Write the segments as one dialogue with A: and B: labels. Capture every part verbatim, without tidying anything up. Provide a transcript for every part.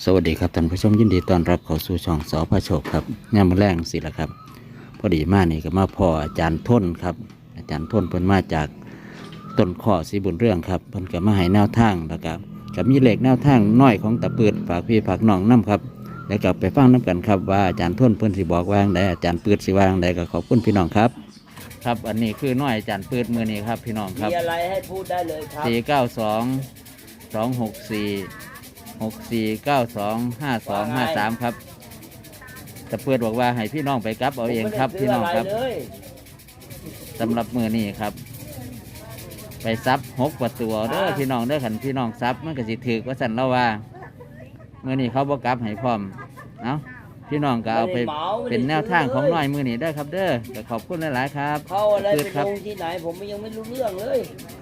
A: สวัสดีครับท่านผู้ชมยินดีต้อนรับเข้าสู่ช่องสพระโชคครับงามมาแรงสิละครับพอดีมานี่ก็มาพ่ออาจารย์ทนครับอาจารย์ทนเพิ่นมาจากต้นข้อสีบุญเรื่องครับเพิ่นก็มาให้แนวทางแล้วก็กับมีเลขแนวทางน้อยของตะปืดฝากพี่ฝากน้องน้ำครับแล้วก็ไปฟังน้ำกันครับว่าอาจารย์ทนเพิ่นสิบอกว่าอย่างใดอาจารย์ปืดสิว่าอย่างใดก็ขอบคุณพี่น้องครับครับอันนี้คือน้อยอาจารย์ปืดมือนี้ครับพี่น้องครับ
B: มีอะไรให้พูดได้เลยครับ
A: สี่เก้าสองสองหกสี่หกสี่เก้าสองห้าสองห้าสามครับแต่เพื่อนบอกว่าให้พี่น้องไปกลับเอาเองครับพี่น้องครับสำหรับมือนี้ครับ ไปซับหกประตูเด้อพี่น้องเด้อขันพี่น้องซับมันก็สิถือว่าสันเราว่ามือนี้เขาบอกกลับให้พร้อมเอ้าพี่น้องก็เอาไปเป็นแนวทางของน้อยมือนี้ได้ครับเด้อก็ขอบคุณหลายๆครับ
B: เข้าอะไร
A: ปื
B: ไป
A: ดครั
B: ล
A: บ
B: งที่ไหนผมยังไม่รู้เรื่องเลย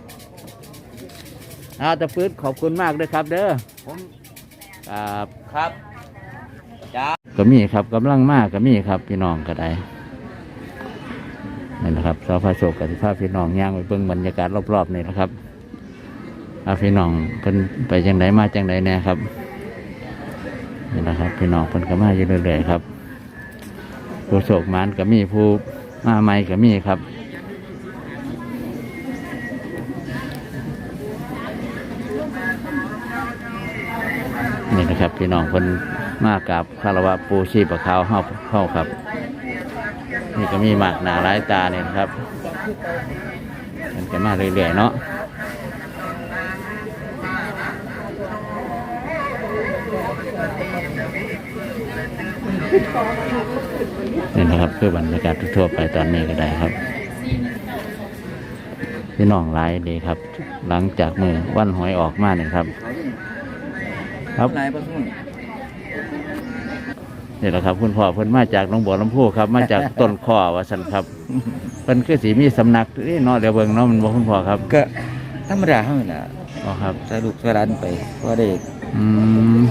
A: เอาแต่ปืดขอบคุณมากด้วยครับเด้อ
B: ผม
A: ครับ
B: ครับจ้า
A: ก็มีครับกำลังมากก็มีครับพี่น้องก็ได้นี่นะครับสพระโชคกับที่พาพี่น้องย่างไปเบิ่งบรรยากาศรอบๆนี่นะครับอาพี่น้องเพิ่นไปจังไดมาจังไดแน่ครับนี่นะครับพี่น้องเพิ่นก็มาอยู่เรื่อยๆครับผู้โชคมานก็มีผู้มาใหม่ก็มีครับนี่นะครับพี่น้องเพิ่นมากับคารวะปูชีพขาวเฮาเข้าครับนี่ก็มีหมากหนาหลายตาเนี่ยนะครับมันจะมาเรื่อยๆเนาะนี่นะครับคือบรรยากาศทั่วไปตอนนี้ก็ได้ครับพี่น้องหลายดีครับหลังจากมือวันหวยออกมาเนี่ยครับครับนี่แหละครับคุณพ่อเพิ่นมาจากหนองบัวลำพูครับมาจากต้นข้อว่าสันครับเพิ่นคือสีมีสำนักนี่เนาะเดี๋ยวเบิ่งเนาะมันบอกคุณพ่อครับ
C: ก็ธรรมดาเท่านั้นแหละ
A: อ๋อครับ
C: ใส่ลูกใส่ร้านไปก็ได้
A: อืม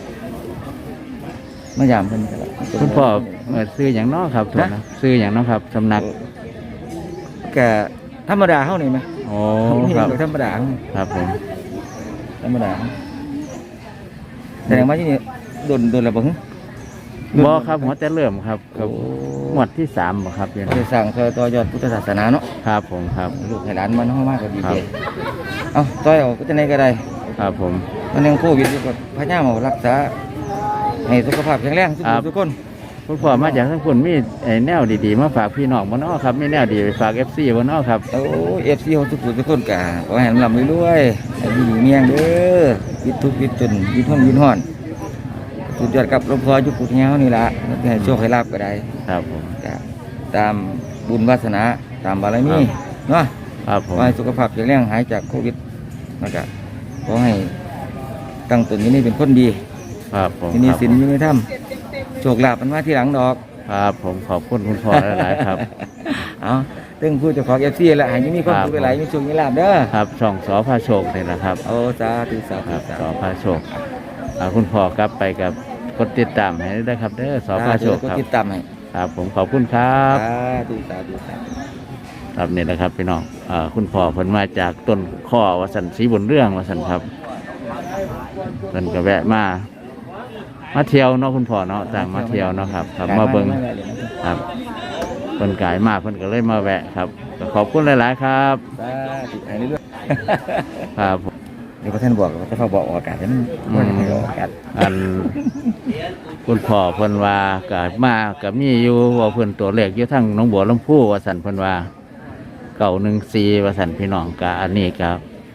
C: มายามเพิ่นก็ได้
A: คุณพ่อเอ่อซื้ออย่างเนาะครับถูกนะซื้ออย่างเนาะครับสำนัก
C: ก็ธรรมดาเท่านี้ไหม
A: โอ้ครับ
C: ธรรมดา
A: ครับผม
C: ธรรมดาแสดงว่าที่นี่โดนโดนอะไรบ้าง
A: บอครับหัวแต่เริ่มครับครับหมวดที่สามบ่ครับเนี่ย
C: ได้สั่งซอยต่อยอดพุทธศาสนาเนาะ
A: ครับผมครับ
C: ลูกให้ร้านมันเข้ามากก็ดี
A: ครั
C: ใจ
A: บ
C: เอ้าต่อยเอาก็จะไหนก็ได้
A: ครับผม
C: มันยังโควิดอยู่ก็พยายามเอารักษาให้สุขภาพแข็งแรงทุกคนทุกคน
A: คุณพ่อมาจากทั้งคุณมีไอ้แนวดีๆมาฝากพี่น้องบ่เนาะครับมีแนวดีไปฝาก เอฟ ซี บ่เนาะครับ
C: โอ้เอฟซีของทุกคนทุกคนกะขอให้ลำรวยๆให้ดีเมียงเด้อวิตทุกข์วิตจนวิตห้องวิตห้อนสุดยอดกับหลวงพ่อยุคปุถุเงานี่ละให้โชคให้ลาบก็ได้
A: ครับผม
C: ก็ตามบุญวาสนาตามบารมีเนาะ
A: ครับผม
C: ขอให้สุขภาพแข็งแรงหายจากโควิดแล้วก็ขอให้ตั้งตนอยู่นี่เป็นคนดี
A: ครับผม
C: ที่นี่
A: ครับ
C: สินอยู่ในถ้ำโชคลาภมันมาที่หลังดอก
A: ครับผมขอบคุณคุณพ่อหลายๆครับ
C: เอาตึงผู้เจ้าของเอฟซีแหละให้มีความสุขหลายๆมีโชคมีลาภเด้อ
A: ครับช่องสอพาโชคนี่แหละครับ
C: โอ้สาธุสา
A: ค
C: ธุ
A: รับ
C: สา
A: สอ
C: ธุ
A: พาโชคอ่าคุณพ่อกลับไปกับกดติดตามให้ได้ครับเด้อสอพาโชค
C: ก็
A: ครับ
C: ติดตามให้
A: ครับผมขอบคุณครับ
C: สาธุสาธุสาธุ
A: ครับนี่แหละครับพี่น้องอ่าคุณพ่อเพิ่นมาจากต้นข้อวสันศรีบุญเรื่องวสันครับเพิ่นก็แวะมามาเที่ยวเนาะคุณพ่อเนาะต่างมาเที่ยวเนาะครับครับมาเบิ่งครับเพิ่นกายมากเพิ่นก็เลยมาแวะครับก็ขอบคุณหลายๆครับ
C: สาธุให้เรื่อย
A: ครับผม
C: ๆเดี๋ยวพระท่านบอกว่าจะเขาบอกออกอากาศให้มันมันไม่ออกอากาศ
A: อันคุณพ่อเพิ่นว่าก็มาก็มีอยู่ว่าเพิ่นตัวเลขอยู่ทั้งหนองบัวลำพูว่าซั่นเพิ่นว่าเก้าหนึ่งสี่ว่าซั่นพี่น้องก็อันนี้ก็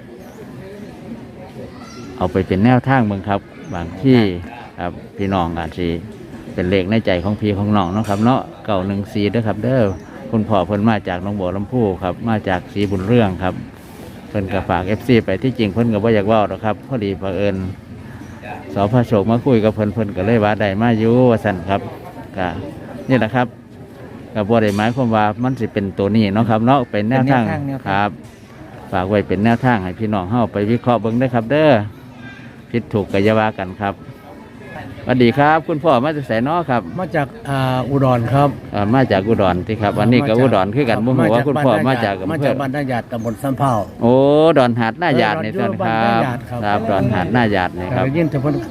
A: เอาไปเป็นแนวทางเบิ่งครับบางที่ครับพี่น้องอาจสิเป็นเลขในใจของพี่ของน้องเนาะครับเนาะเก้าหนึ่งสี่เด้อครับเด้อคุณพ่อเพิ่นมาจากหนองบัวลำพูครับมาจากศรีบุญเรื่องครับเพิ่นก็ฝาก เอฟ ซี ไปที่จริงเพิ่นก็บ่อยากเว้าหรอกครับพอดีเผอิญสพระโชคมาคุยกับเพิ่นเพิ่นก็เลยว่าได้มาอยู่ว่าซั่นครับก็นี่แหละครับก็บ่ได้หมายความว่ามันสิเป็นตัวนี้เนาะครับเนาะเป็นแนวทางครับ ฝากไว้เป็นแนวทางให้พี่น้องเฮาไปวิเคราะห์เบิ่งได้อครับ เด้อผิดถูกก็อย่าว่ากันครับสวัสดีครับ คุณพ่อมาจากไสน้อครับ
D: มาจากอ่าอุดรครับ
A: เอ่อมาจากอุดรที่ครับวันนี้ก็อุดรคือกันบ่ฮู้ว่าคุณพ่อมาจาก
D: มา
A: อำเภ
D: จาก
A: อ
D: บ้านนาหยาดตำบลสำเภา
A: โอ้ดอนหาดหน้าหยาดนี่
D: เออ
A: ท่านครั
D: บ้าน
A: บ
D: หน้าหยาดครับ
A: ครับดอนหาดหน้าหยาดนี่ครับ
D: ได้ยินแต่เพิ่น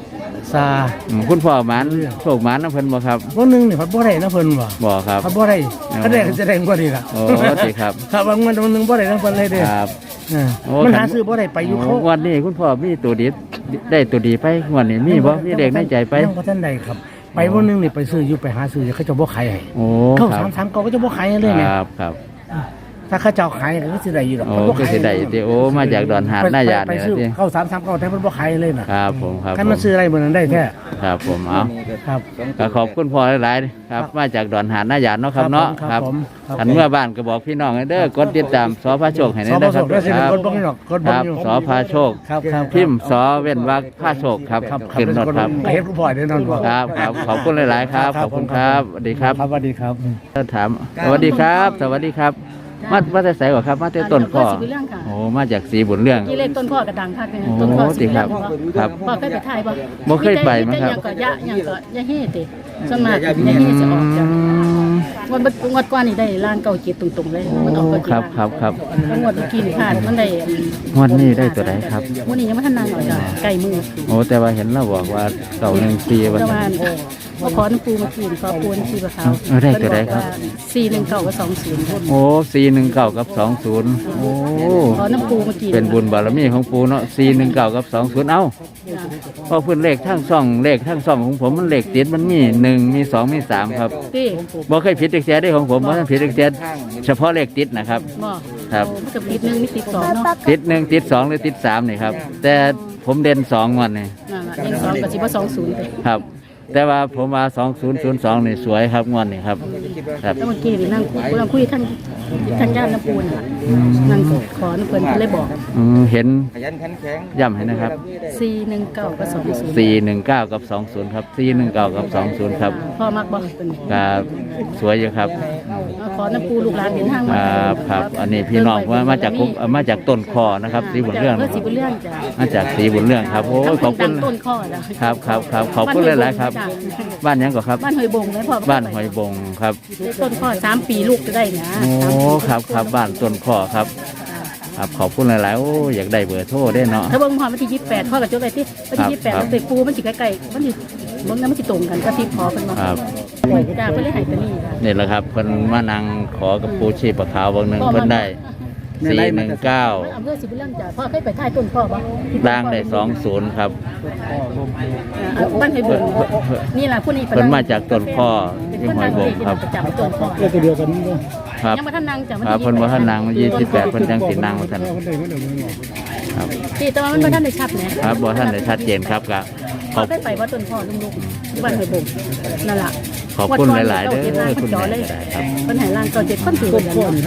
D: ซา
A: อืมคุณพ่อหมานโชคหมานนะเพิ่นบ่ครับ
D: วันหนึงนี่พัดบ่ได้นะเพิ่นว่า
A: บ่ครับ
D: พัดบ่ได้
A: อ๋อ
D: ถ้าได้ก็จะได้กว่านี้ล่ะ
A: โอ้สิครับ
D: ครับบางวันวันหนึงบ่ได้นะเพิ่นเลยเด้อ
A: ครับ
D: เออ
A: โอ้
D: มัน
A: คัน
D: หาซื้อบ่ได้ไปอยู่เขา
A: โวันนี้คุณพ่อมีตัวดีได้ตัวดีไปงวันนี้มีบ่มีเด็กในใจไป
D: ยังบ่ทันได้ครับ ไปวันหนึงนี่ไปซื้ออยู่ไปหาซื้อเขาจะบ่ขายให้
A: โอ้
D: เขา
A: ครั
D: สา
A: บ
D: มสามเก้าก็จะบ่ขายให้เลย
A: ค
D: เนี่ย
A: รับครับ
D: ถ้าเขาเจ้าขายก็สิได้อยู่ดอก
A: โอ้
D: เพิ่นบ่
A: ก็
D: ขาย
A: สิได้ติโอ้มาจากดอนหาดหน้ายาด
D: ไป
A: นี่
D: ซื้อ
A: ล่ะติ
D: เข้าสามสามเก้าแต่เพิ่นบ่ขายเลยน่ะ
A: ครับผมครับ
D: คัน
A: ผ
D: มัน
A: ม
D: ซื้ออะไรเหมือนนั้นได้แท้
A: ครับผมเอา
D: ครับ
A: ก็ขอบคุณพ่อหลายๆครับมาจากดอนหาดหน้ายาดเนาะครับเนาะ
D: ครับผมครับ
A: อันเมื่อบ้านก็บอกพี่น้องให้เด้อกดติดตามสอพาโชคให้
D: ส
A: แน่
D: อ
A: เด้อ
D: ส
A: ครับ
D: ได้สิ
A: ครับ
D: กดบ่นี่หรอกกด
A: ค
D: บ่
A: รับ
D: อยู่
A: สอพาโชค
D: ครับครับ
A: พิมพ์สอเว้นวรรคพาโชคครับ
D: ครับ
A: ขึ้นรถครับ
D: เฮ็ดผู้พ่อยแน่นอนบ่
A: ครับครับขอบคุณหลายๆครับขอบคุณครับสวัสดีครับ
D: ครับสวัสดีครับ
A: ถามสวัสดีครับ สวัสดีครับ มามาแต่ไสกว่าครับ มาแต่ต้นข้อ
E: สีบุญเรื่องค่ะ
A: โอ้มาจากสีบุญเรื่อง
E: กี่เลขต้นข้อกระดังค่ะเป็น
A: โอ้
E: ต้นข้อ
A: ติ
E: สี
A: ครับ
E: บุญเรื่อง
A: ครับ
E: พ่อเคยไปถ่ายบ่
A: บ่เคยไปมั้งครับ
E: ยังก็ยะยังก็ยะเฮ็ดติส่วนมากยะเฮ็ดสิออกจากวันบัดงวดก่อนนี่ได้ล้านเก้าเจ็ดตรงๆเลยมันออกก็
A: ครับครับครับ
E: งวดเมื่อกี้นี่พลาดมันได้
A: งวดนี้ได้ตัวใดครับ
E: วันนี้ยังไม่ทันนางออกจากใกล้มือ
A: โอ้แต่ว่าเห็นเราบอกว่าเก่าหนึ่งปีว่า
E: ประ
A: ซั่
E: มาน ณมาขอน้ำปูมากินขอปูน้ำปูกับเขา
A: เออได้ตัวใดครับ
E: สี่หนึ่งเก้ากับสองศูนย์
A: โอ้สี่หนึ่งเก้ากับสองศูนย์โอ้
E: ขอน้ำปูมากิน
A: เป็นบุญบารมีของปูเนาะสี่หนึ่งเก้ากับสองศูนย์เอ้าเพราะเพื่อนเลขทั้งสองเลขทั้งสองของผมมันเลขติดมันมีหนึ่งมีสองมีสามครับ
E: ที่
A: บ่เคยผิดเลขแท้ได้ของผมบ่เคยผิดเลขแท้เฉพาะเลขติดนะครับ
E: บ่
A: ครับ
E: มันกับติดหนึ่งมีติดสองเนาะ
A: ติดหนึ่งติดสองหรือติดสามนี่ครับ แต่ผมเด่นสองวันนี่
E: นั่นล่ะหนึ่งสองกับสิบว่าสองศูนย์ไป
A: ครับ แต่ว่าผมมาสองศูนย์ศูนย์สองนี่สวยครับงวันนี่ครับครับ
E: แล้วเมื่อกี้นี่นั่งคุยกำลังคุยทั้งทั้งย่านน้ำปูนน่ะนั่งขอน้ำเพิ่นเพิ่นเลยบอก
A: อืมเห็น
C: ขยันขันแข็ง
A: ย้ำให้นะครับ
E: สี่หนึ่งเก้ากับสองศูนย์
A: สี่หนึ่งเก้ากับสองศูนย์ครับสี่หนึ่งเก้ากับสองศูนย์ครับ
E: พ่อมักบอกเป็น
A: ก็สวยอยู่ครับ
E: ขอน้ำปูลูกหลานเดินทาง
A: ค
E: มา
A: รับครับอันนี้พี่น้องว่ามาจากคุกมาจากต้นคอนะครับสีบุญเรื่อง
E: เพื่อสีบุญเรื่องจ้ะ
A: มาจากสีบุญเรื่องครับโอ้ยขอบคุณ
E: ดังต้นข้อจ้ะ
A: ครับครับครับขอบคุณหลายๆครับ บ้านหยังก่อนครับ
E: บ้านหอยบงเลยพ่อ
A: บ้านหอยบงครับ
E: ต้นข้อสามปีลูกจะได้นะ
A: โอ้ครับครับบ้านต้นคอครับ ครับขอบคุณหลายๆโอ้อยากได้เบอร์โทรได้เนาะ
E: ถ้าเบิ่งพอวันที่ยี่สิบแปดพ่อกับโจ้ไปที่วันที่ยี่สิบแปด
A: ครับ
E: มันติดปูมันสิใกล้ๆมันสิเบิ่งนั้นมันสิตรงกันก็ที่ขอกันมา
A: ครับ
E: จ้าเพิ่นเลยให้ตัวนี้ค่ะ
A: นี่แหละครับเพิ่นมานั่งขอกับปูชีพปะขาวบางหนึ่งเพิ่นได้สี่หนึ่งเก้า
E: อำเภอสิบุญเรื่องจ้ะพ่อเคยไปถ่ายต้นพ่อบ่
A: ล่างได้สองศูนย์ครับ
E: อ่าบ้านหอยบงนี่ล่ะผู้นี้
A: เพิ่นมาจากต้นคอ
E: เป็น
A: ที่
E: คน
A: หอยบงครับ
E: ประจำต้นพ่อ
D: ตัวเดียวกันนี่ก็
A: ครับ
E: ยังบ่ทันนั่งจ้ะ
A: ครับเพิ่นว่าท่านนางยี่สิบแปดเพิ่นจังสินางว่าท่านครับ
E: ที่แต่ว่ามันบ่ทันได้ชัดนะครับ
A: บ่ท่านได้ชัดเจนครับก็ข
E: พ่
A: อ
E: อบ ได้ไปว่าต้นพ่อลุงๆที่บ้านหอยบงนั่นล่ะ
A: ขอบคุณหลายๆเด้อคุณ
E: จอ
A: แม่
E: เลย
A: ครับ
E: เพิ่นให้ร่างเก่าเจ็ดคนถือกันเนาะ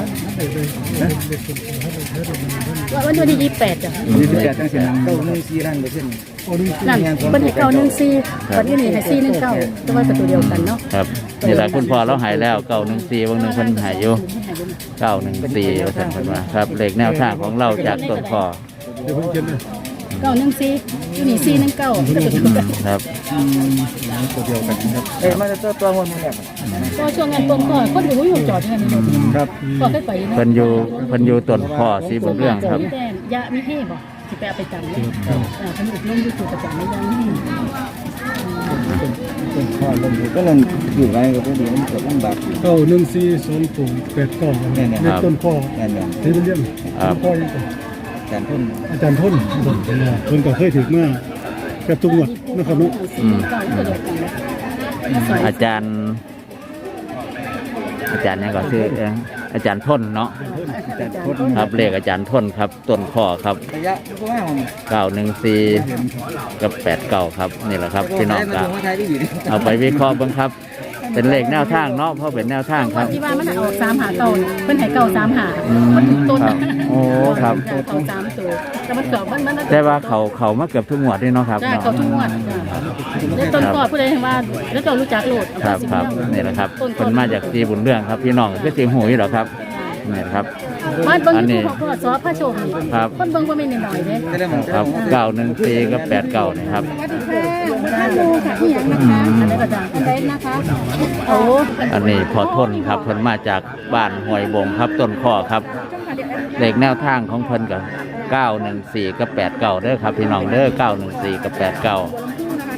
E: ว่าวันที่ยี่สิบแปดจ้ะ
C: ยี่สิบแปดจังสิเก้าหนึ่งสี่ล้านเปอร์เซ็นต์
E: นั่นเพิ่นให้เก้าหนึ่งสี่วันนี้นี่ให้สี่หนึ่งเก้าแต่ว่าเป็นตัวเดียวกันเนาะ
A: ครับนี่แหละคุณพ่อเราหายแล้วเก้าหนึ่งสี่บางหนึ่งเพิ่นหายอยู่เก้าหนึ่งสี่ว่าท่านเพิ่นว่าครับเลขแนวทางของเราจากต้นคอ
E: เก้าหนึ่งสี่อยู่นี่สี่หนึ่งเก้าเป็นตัวเดียวกัน
A: ครับ
C: ตัวเดียวกันครับเอ้ยมาจะตัวตัวมันนี่แหละ
E: ก็ช่วงงานต้นข้อคนอยู่อยู่จอดอย่างนี้
C: ครับ
E: ก็เคยไป
A: เพิ่นอยู่เพิ่นอยู่ต้นคอสีบุญเรื่องครับ
E: แดงยะไม่ให้บ่สิไปเอาไปจำเลยอ่าเพิ่นอบรมอยู่สู่ประจำไม่ยังไม่ให้
C: เป็นข้อลงอยู่ก็เลยอยู่ไรก็ต้องดีมันเกิดลำบาก
D: เก้าหนึ่งสี่สองศูนย์แปดเก้า
C: เนี่ยเนี่ย
D: เลขต้นพ่อ
C: เนี่ยเนี่ย
D: ที่เป็นเรื่อง
A: ครับ
D: พ่อยังไง
C: การพ่น
D: อาจารย์พ่นเพิ่นก็เคยถึงมากับทุกงวดนะครับเนาะ
E: สี่หนึ่งเก้าตัวเดียวกันมาสอย
A: อาจารย์ อาจารย์เนี่ยก็คือเอ่ออาจารย์ทนเนาะ
C: การพ่น
A: ครับเลขอาจารย์ทนครับต้นคอครับ
C: ระยะก็ว่าของ
A: เก้าหนึ่งสี่กับแปดเก้าครับนี่แหละครับพี่น้องครับ
C: ไทยที่อยู่
A: เอาไปวิเคราะห์บ้างครับ เป็นเลขแนวทางเนาะเพราะเป็นแนวทางครับ
E: ที่ว่ามันออกสามหาเก่าเพิ่นให้เก่าสามหา
A: อืม
E: มันต้น
A: ครับโอ้ครับ
E: เก่าสามตัวแต่มันเกิดมันมัน
A: แต่ว่าเขาเขามาเกือบทุกงวดด้วยเนาะครับ
E: ใช่
A: เนาะ
E: เขาทุกงวดแล้วต้นกอดผู้ใดเห็นว่าแล้วเจ้ารู้จักโลด
A: ครับครับนี่แหละครับคนมาจากสีบุญเรื่องครับ พี่น้องก็สีหูอยู่หรอครับนี่ครับ
E: บ้านเบิ่ง
A: อันนี้
E: ที่พ่อสอพระโชคนี่
A: ครับ
E: คนเบิ่งบ่แม่นน้อยๆเด้
A: ครับเก้าหนึ่งสี่กับแปดเก้านี่ครับ
E: ท่านดูค่ะที่ยังนะคะอันนี้ก็ดังอันใดนะคะโอ้
A: อันนี้พอทนครับเพิ่นมาจากบ้านห้วยบงครับต้นข้อครับเลขแนวทางของเพิ่นกับเก้าหนึ่งสี่กับแปดเก้าเด้อครับพี่น้องเด้อเก้าหนึ่งสี่กับแปดเก้า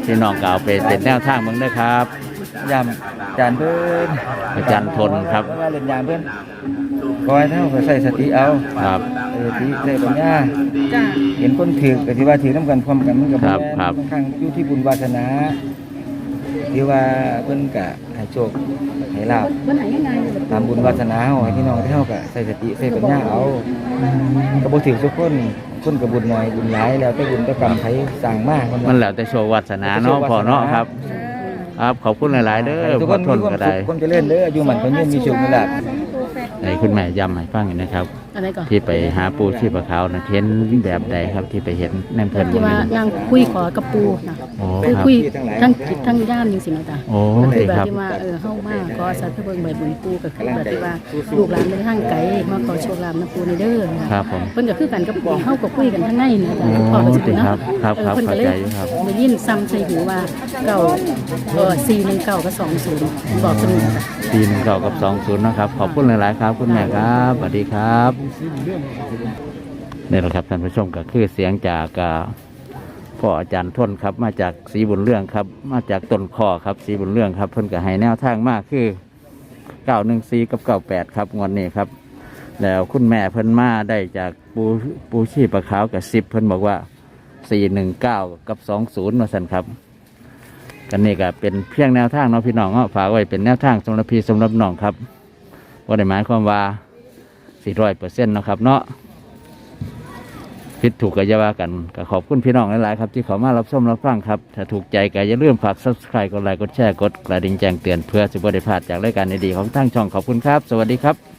A: พี่น้องก็เอาไปเป็นแนวทางเมืองด้วยครับ
C: ยามจานเพิ่น
A: อาจารย์ทนครับ
C: ว่าเล่นยามเพิ่นคอยเท่าก็ใส่สติเอา
A: ครับ
C: ใส่สติใส่ปัญญา
E: จ้า
C: เห็นคนถือก็ที่ว่าถือน้ำกันพร้อมกันมันก็
A: ครับ
C: แม่น
A: ครับ
C: บางครั้งอยู่ที่บุญวาสนาที่ว่าเพิ่นก็ให้โชคให้ลาภ
E: วันไหนยังไงเนี่ย
C: ตามบุญวาสนาเฮาให้พี่น้องเฮาก็ใส่สติใส่ปัญญาเอาก็บ่ถือทุกคนคนก็บุญน้อยบุญหลายแล้วแต่บุญแต่กรรมไผสร้างมาคน
A: มันแล้วแต่โชว์วาสนาเนาะพ่อเนาะครับ ครับขอบคุณหลายๆเด้อ
C: ทุก
A: พ่
C: ค
A: อน ทน
C: มีความ
A: ก็
C: สุ
A: ได้
C: ขความเจริญเด้ออายุมันคนยืนมีโชคมีลาภ
A: ให้คุณแม่ย้ำให้ฟังหน่อยนะครับ
E: อะไรก่อน
A: ที่ไปหาปูชีพขาวนะเห็นแบบใดครับที่ไปเห็นแนมเพลิน
E: ที่ว่านางคุยขอกับปูนะ
A: โอ้
E: คือ
A: ครับ
E: คุยทั้งจิตทั้งย่านจริงๆนะจ๊ะ
A: โอ้
E: ก็คือ
A: ดี
E: แบบ
A: ครับ
E: ที่ว่าเออเข้ามาก็สัตว์เบิ่งใบบุญปูก็คือแบบที่ว่าลูกหลานเป็นทางไกลมาขอโชคลาภนะปูในเด้อนะครับ
A: ผม
E: เพิ่นก็คือกันกับปูเฮาก็คุยกันทั้งในนะจ๊ะ
A: โอ้
E: พ่อก็สิ
A: ดี
E: เนาะ
A: ครับครับ
E: เอ
A: ค
E: อ
A: รับ
E: เพิ่นก็เลย
A: เข้าใจอยู่ครับ
E: ได้ยินซ้ำใส่หูว่าเก้าเออสี่หนึ่งเก้ากับสองศูนย์บอกสนุกจ้ะ
A: ปีหนึ่งเก้ากับสองศูนย์นะครับ ขอบคุณหลายๆครับ คุณแม่ครับสวัสดีครับนี่แหละครับท่านผู้ชมก็คือเสียงจากอ่าพ่ออาจารย์ทนครับ มาจากศรีบุญเรื่องครับ มาจากต้นคอครับศรีบุญเรื่องครับ เพิ่นก็ให้แนวทางมากคือเก้าหนึ่งสี่กับเก้าแปดครับงวดนี้ครับ แล้วคุณแม่เพิ่นมาได้จากปูปูชีปลาขาวกับสิบเพิ่นบอกว่าสี่หนึ่งเก้ากับสองศูนย์มาสั่นครับ กันนี่ก็เป็นเพียงแนวทางเนาะพี่น้องเนาะฝากไว้เป็นแนวทางสำหรับพี่สำหรับน้องครับว่าได้หมายความว่าสี่ร้อยเปอร์เซ็นต์นาะครับเนาะผิดถูกก็อย่าว่ากันก็ขอบคุณพี่น้องหลายๆครับที่เขามารับชมรับฟังครับถ้าถูกใจก็อย่าลืมฝาก ซับสไครบ์ กดไลค์กดแชร์กดกระดิ่งแจ้งเตือนเพื่อจะบ่ได้พลาดจากรายการดีๆของทางช่องขอบคุณครับ สวัสดีครับ